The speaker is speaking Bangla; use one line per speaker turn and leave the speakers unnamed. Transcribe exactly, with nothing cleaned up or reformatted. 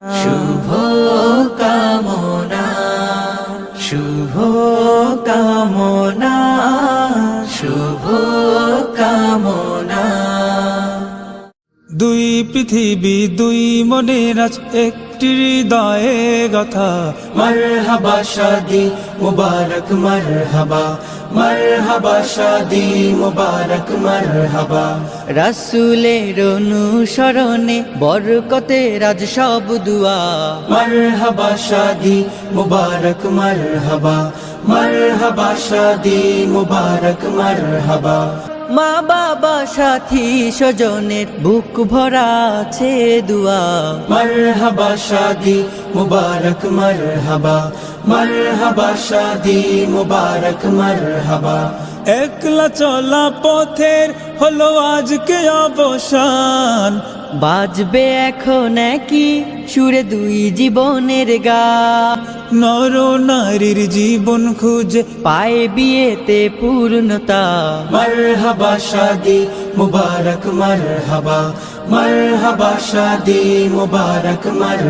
শুভ কামনা শুভ কামনা শুভ কামনা।
দুই পৃথিবী দুই মনের আজ একটি হৃদয়ে গাথা।
মারহাবা শাদি মুবারক মারহাবা মারহাবা শাদি মুবারক মারহাবা। রাসূলের অনুসরণে বরকতের আজ সব দুয়া। মারহাবা শাদি মুবারক মারহাবা মারহাবা শাদি মুবারক মারহাবা। মা বাবা সাথী স্বজনের বুক ভরা আছে দুয়া। মারহাবা শাদি মুবারক মারহাবা মারহাবা শাদি মুবারক মারহাবা।
একলা চলা পথের হলো আজকে অবসান।
বাজবে এখন কি সুরে দুই জীবনের গান।
নর নারীর জীবন খুঁজে
পায় বিয়েতে পূর্ণতা। মারহাবা শাদি মুবারক মারহাবা মারহাবা শাদি মুবারক মার